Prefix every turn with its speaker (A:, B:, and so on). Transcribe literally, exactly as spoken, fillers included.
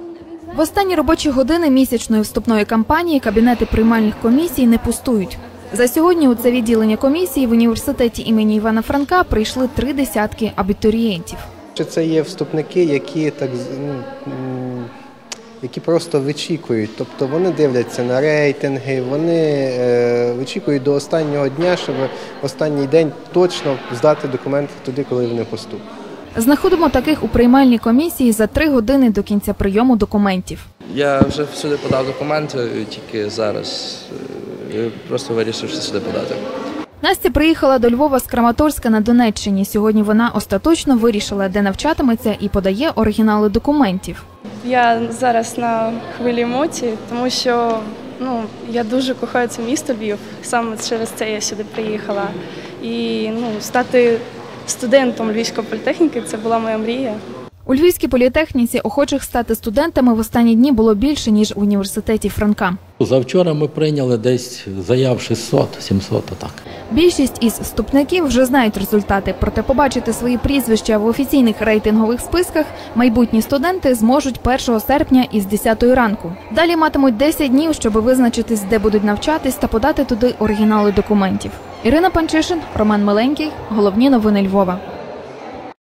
A: В останні робочі години місячної вступної кампанії кабінети приймальних комісій не пустують. За сьогодні у це відділення комісії в університеті імені Івана Франка прийшли три десятки абітурієнтів.
B: Це є вступники, які так які просто вичікують, тобто вони дивляться на рейтинги, вони е, вичікують до останнього дня, щоб в останній день точно здати документи туди, коли вони поступлять.
A: Знаходимо таких у приймальній комісії за три години до кінця прийому документів.
C: Я вже всюди подав документи, тільки зараз просто вирішив сюди подати.
A: Настя приїхала до Львова з Краматорська на Донеччині. Сьогодні вона остаточно вирішила, де навчатиметься, і подає оригінали документів.
D: Я зараз на хвилі емоцій, тому що ну, я дуже кохаю це місто Львів. Саме через це я сюди приїхала. І ну, стати студентом Львівської політехніки – це була моя мрія.
A: У Львівській політехніці охочих стати студентами в останні дні було більше, ніж у університеті Франка.
E: Завчора ми прийняли десь заяв шістсот-сімсот, отак.
A: Більшість із вступників вже знають результати, проте побачити свої прізвища в офіційних рейтингових списках майбутні студенти зможуть першого серпня із десятої ранку. Далі матимуть десять днів, щоб визначитись, де будуть навчатись та подати туди оригінали документів. Ірина Панчишин, Роман Миленький. Головні новини Львова.